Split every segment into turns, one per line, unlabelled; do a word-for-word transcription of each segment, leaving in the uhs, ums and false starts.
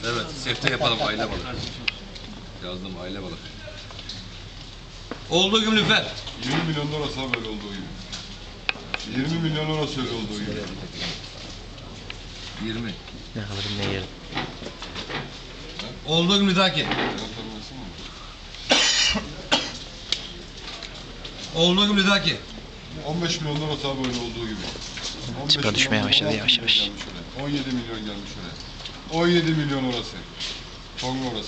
Evet, sefte yapalım aile balık. Yazdım aile balık. Olduğu gibi lütfen.
yirmi milyon orası ha böyle olduğu gibi. yirmi milyon orası öyle olduğu gibi.
yirmi.
Ne alırım ne yerim.
Olduğu gibi Lütaki. Olduğu gibi Lütaki.
on beş milyon orası ha böyle olduğu gibi. on beş
Çıpa düşmeye
milyon,
başladı
on altı
yavaş
milyon
yavaş.
gelmiş oraya. on yedi milyon gelmiş oraya. on yedi milyon orası. Tonga orası.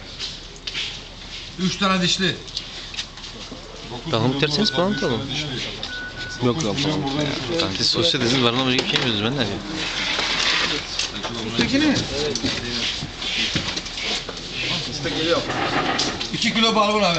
Üç tane dişli.
dokuz
Bakalım
milyon
biterseniz
orası,
falan
beş tane
atalım.
dişli.
Yok
dokuz
lan
milyon
falan.
buradan şurası.
Kanka siz sosyal dediniz barınma bir şey yapıyorsunuz ben ne yapayım?
Üsttekini mi? İki kilo barbun abi.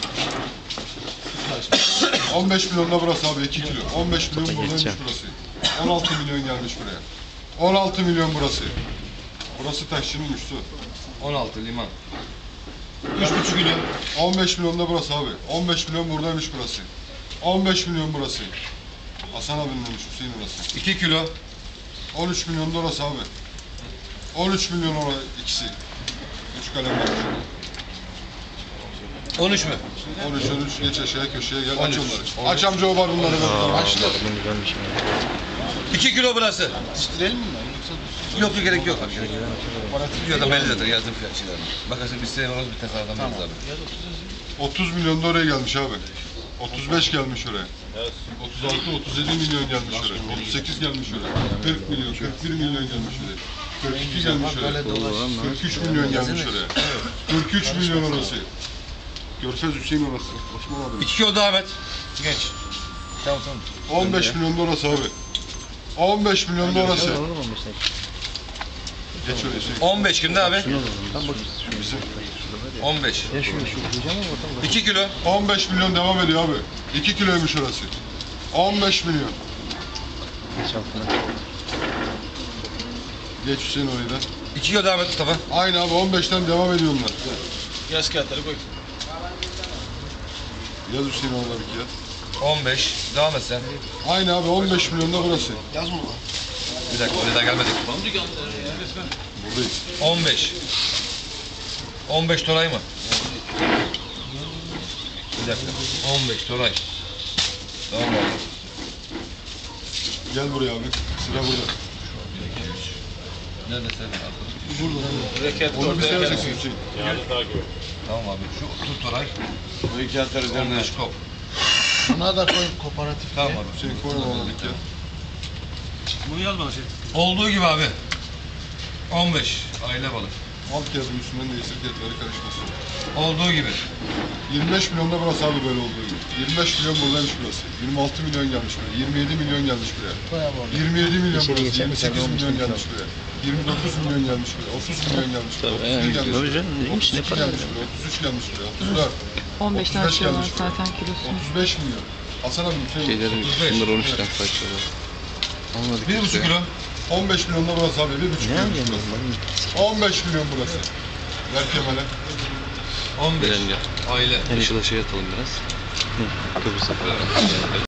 on beş milyon da burası abi iki kilo. on beş milyon buradaymış
geçeceğim.
burası. on altı milyon gelmiş buraya. on altı milyon burası. Burası taşçının üstü.
on altı liman. Üç buçuk kilo.
on beş milyon da burası abi. on beş milyon buradaymış burası. on beş milyon burası. Hasan abinin demiş Hüseyin orası.
İki kilo.
on üç milyon da orası abi. on üç milyon orası ikisi. Üç kalem var.
On üç mü?
on üç on üç geç aşağıya köşeye gel
on
aç
üç.
onları. Aç amca o barınları ver. Aç.
Barınma güzelmiş ya.
İki kilo burası.
Stirelim mi?
Yok yok gerek yok. Yok da belli zaten yazdım fiyat şeylerini. Bakarsın biz sene orası bir tasarladan tamam. abi.
otuz milyon da oraya gelmiş abi. otuz beş gelmiş oraya. otuz altı otuz yedi milyon gelmiş oraya. otuz sekiz gelmiş oraya. kırk milyon, kırk bir milyon gelmiş oraya. kırk iki gelmiş oraya. kırk üç milyon gelmiş oraya. kırk üç milyon orası. Görfez Hüseyin orası. Osman abi.
İki kilo devam et. Geç. Tamam tamam.
on beş milyon da orası abi. on beş milyon da orası. Geç oraya şey.
On beş kimde abi?
Bizim.
On beş.
Ya şunu şu diyeceğim ama bakalım.
İki kilo.
on beş milyon devam ediyor abi. iki kiloymuş orası. on beş milyon.
Geç altına.
Geç Hüseyin orayı da.
İki kilo devam et Mustafa.
Aynı abi on beşten devam ediyor onlar.
Yaz kağıtları koy.
Yaz Hüseyin orada bir yaz.
On beş. Devam et sen.
Aynı abi on beş milyon da burası.
Bir dakika oraya daha gelmedik.
Buradayız.
On beş. On beş Toray mı? Bir dakika. On beş Toray. Tamam abi.
Gel buraya abi. Sıra burada.
Nerede sen?
Reket
Onu bir
ortaya
seversin
gel.
Hüseyin.
Tamam abi. Şu tut Toray.
Bu iki kağıtları
On beş kop.
Buna da koy kooperatif.
Tamam abi.
Hüseyin koy onu bir ya.
Bunu yaz bana şey.
Olduğu gibi abi. On beş. Aile balık.
Alt kağıdın üstünden değilse fiyatları karışmasın.
Olduğu gibi.
yirmi beş milyon da burası abi böyle olduğu gibi. yirmi beş milyon buradaymış burası. yirmi altı milyon gelmiş buraya. yirmi yedi milyon gelmiş buraya.
Koy abi orada.
yirmi yedi milyon
İçeri
burası.
geçelim,
yirmi sekiz
sen
milyon
olmuş
gelmiş buraya. yirmi dokuz milyon gelmiş buraya. otuz milyon gelmiş buraya.
Tabii,
otuz bir
yani,
gelmiş
tabii
buraya.
canım, neymiş,
otuz
ne
iki
para
gelmiş
yani.
buraya. otuz üç gelmiş buraya. otuz dört.
on beşten
otuz beş
açıyorlar
gelmiş buraya.
zaten kilosunu.
otuz beş milyon. Hasan abi Hüseyin.
Şeylerin
otuz beş.
bunlar on üçten kaçıyorlar. Anladık.
Bir buçuk kilo.
on beş milyon da burası abi. bir buçuk
Ne
milyon
yapacağım
burası.
ben?
on beş milyon burası. Ver Kemal'e.
On beş.
Bilen gel.
Aile.
Her işe şey atalım biraz. Hı, Kıbrıs'a falan.